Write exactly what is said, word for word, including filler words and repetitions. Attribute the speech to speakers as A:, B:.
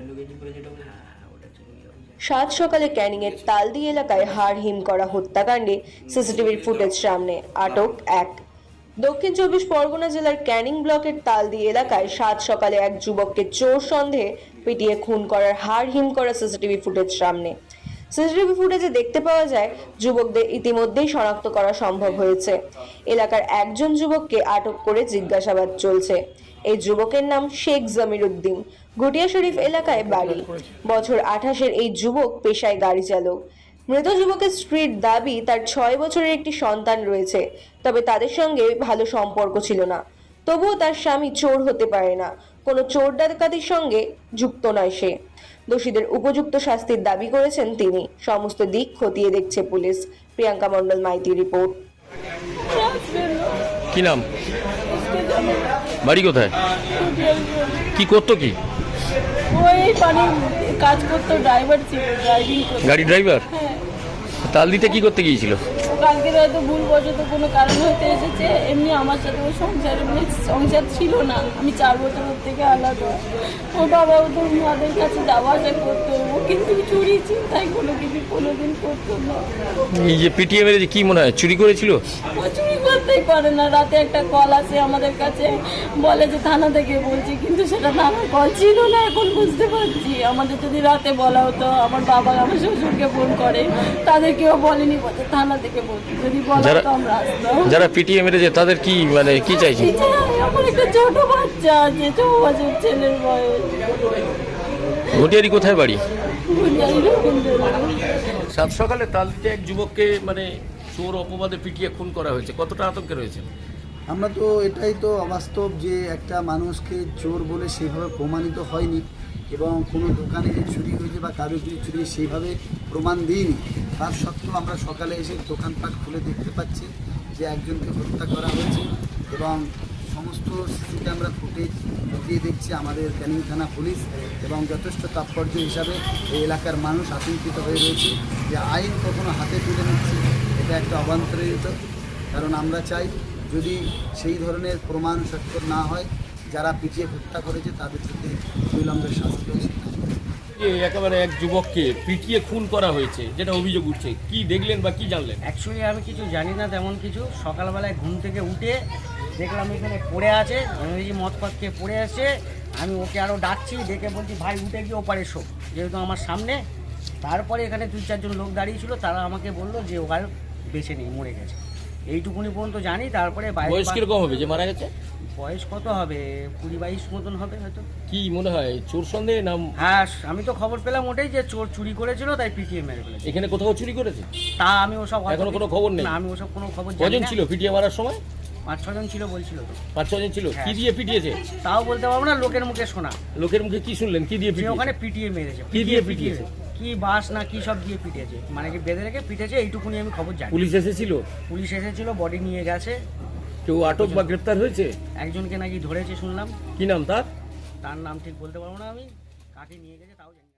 A: সাত সকালে ক্যানিংয়ের তালদি এলাকায় হাড় হিম করা হত্যাকাণ্ডে সিসিটিভির ফুটেজ সামনে, আটক এক। দক্ষিণ চব্বিশ পরগনা জেলার ক্যানিং ব্লকের তালদি এলাকায় সাত সকালে এক যুবককে চোর সন্দেহে পিটিয়ে খুন করার হাড় হিম করা সিসিটিভি ফুটেজ সামনে। সিসিটিভি ফুটেজে দেখতে পাওয়া যায় যুবকদের ইতিমধ্যেই শনাক্ত করা সম্ভব হয়েছে। এলাকার একজন যুবককে আটক করে জিজ্ঞাসাবাদ চলছে। এই যুবকের নাম শেখ জামির উদ্দিন, ঘটিয়া শরীফ এলাকায় বাড়ি। বছর আঠাশের এই যুবক পেশায় গাড়ি চালক। মৃত যুবকের স্ত্রীর দাবি তার ছয় বছরের একটি সন্তান রয়েছে, তবে তাদের সঙ্গে ভালো সম্পর্ক ছিল না। তবুও তার স্বামী চোর হতে পারে না, কোনো চোর ডাকাতির সঙ্গে যুক্ত নয় সে। দোষীদের উপযুক্ত শাস্তির দাবি করেছেন তিনি। সমস্ত দিক খতিয়ে দেখছে পুলিশ। প্রিয়াঙ্কা মণ্ডল মাইতি রিপোর্ট।
B: কি নাম? বাড়ি কোথায়? কি করতো? কি
C: ওই পানি কাজ করতো, ড্রাইভার ছিল, ড্রাইভিং করতো।
B: গাড়ি ড্রাইভার?
C: হ্যাঁ।
B: তালদিতে কি করতে গিয়েছিল?
C: কালকে হয়তো ভুল বশত কোনো কারণ হতে এসেছে। এমনি আমার সাথে ওর সংসার এমনি সংসার ছিল না। আমি চার বছর ওর থেকে আলাদা। ওর বাবাও তো মাদের কাছে যাওয়া আসা করতো, ও কিন্তু চুরি চিন্তায় কোনো কিছু কোনোদিন করতো না।
B: এই যে পিটিএম এর কি মনে হয় চুরি করেছিল?
C: ও চুরি করতেই পারে না। রাতে একটা কল আসে আমাদের কাছে, বলে যে থানা থেকে বলছি, কিন্তু সেটা থানার কল ছিল না। এখন বুঝতে পারছি, আমাদের যদি রাতে বলা হতো, আমার বাবা আমার শ্বশুরকে ফোন করে, তাদের কেউ বলেনি, বলছে থানা থেকে বলছি, যদি বলা হতো আমরা আসতাম।
B: যারা পিটিএম এর যে তাদের কি মানে কি চাইছে?
C: আমার একটা ছোট বাচ্চা আছে, ছ বছর ছেলের বয়স।
B: ঘটিয়ারি কোথায় বাড়ি?
C: ঘটিয়ারি রবীন্দ্রনাথ।
B: সাত সকালে তালদিতে এক যুবককে মানে চোর অপবাদে পিটিয়ে খুন করা হয়েছে, কতটা আতঙ্কে রয়েছে?
D: আমরা তো এটাই তো অবাস্তব যে একটা মানুষকে চোর বলে সেইভাবে প্রমাণিত হয়নি, এবং কোনো দোকানে যে চুরি হয়েছে বা কারো কিছু চুরি সেইভাবে প্রমাণ দিইনি। তার সত্ত্বেও আমরা সকালে এসে দোকানপাট খুলে দেখতে পাচ্ছি যে একজনকে হত্যা করা হয়েছে, এবং সমস্ত সিসি ক্যামেরা ফুটেজ দিয়ে দেখছি আমাদের ক্যানিং থানা পুলিশ, এবং যথেষ্ট তাৎপর্য হিসাবে এই এলাকার মানুষ আতঙ্কিত হয়ে রয়েছে যে আইন কখনো হাতে তুলে নিচ্ছে, এটা একটা অবান্তরিত। কারণ আমরা চাই যদি সেই ধরনের প্রমাণ সত্য না হয়, যারা পিটিয়ে হত্যা করেছে তাদের সাথে বিলম্বের শাস্তি হয়েছে।
B: একেবারে এক যুবককে পিটিয়ে খুন করা হয়েছে যেটা অভিযোগ উঠছে, কি দেখলেন বা কি জানলেন?
E: অ্যাকচুয়ালি আমি কিছু জানি না তেমন কিছু। সকালবেলায় ঘুম থেকে উঠে দেখলাম এখানে পড়ে আছে, ইংরেজি মদ ফদ খেয়ে পড়ে আছে। আমি ওকে আরও ডাকছি, ডেকে বলছি ভাই উঠে গিয়ে ওপারে শো, যেহেতু আমার সামনে। তারপরে এখানে দুই চারজন লোক দাঁড়িয়েছিল, তারা আমাকে বললো যে ও আর বেঁচে নেই, মরে গেছে। এইটুকুনি পর্যন্ত জানি। তারপরে
B: বয়স কিরকম হবে যে মারা গেছে?
E: বয়স কত হবে, কুড়ি বাইশ মতন হবে হয়তো।
B: কি মনে হয় চোর সন্দেহে নাম?
E: হ্যাঁ, আমি তো খবর পেলাম ওটাই যে চোর চুরি করেছিল, তাই পিটিএ মেরে ফেলেছে।
B: এখানে কোথাও চুরি করেছে?
E: তা আমি ওসব
B: এখনো কোনো খবর নেই?
E: না, আমি ওসব কোনো খবর জানি
B: কজন
E: না।
B: ছিল পিটিয়ে মারার সময়?
E: পাঁচ ছজন ছিল বলছিল তো।
B: পাঁচ ছজন ছিল। কি দিয়ে পিটিয়েছে
E: তাও বলতে পারবো না, লোকের মুখে শোনা।
B: লোকের মুখে কি শুনলেন? কি দিয়ে
E: যে
B: পিটিয়েছে?
E: ওখানে পিটিয়ে মেরেছে।
B: কি দিয়ে পিটিয়েছে?
E: কি বাস না কি সব দিয়ে পিটিয়েছে, মানে কি বেঁধে রেখে পিটেছে, এইটুকুনি আমি খবর জানি।
B: পুলিশ এসেছিল?
E: পুলিশ এসেছিল, বডি নিয়ে গেছে।
B: কেউ আটক বা গ্রেপ্তার হয়েছে?
E: একজনকে নাকি ধরেছে শুনলাম।
B: কি নাম তার?
E: তার নাম ঠিক বলতে পারবো না আমি, কাকে নিয়ে গেছে তাও জানি।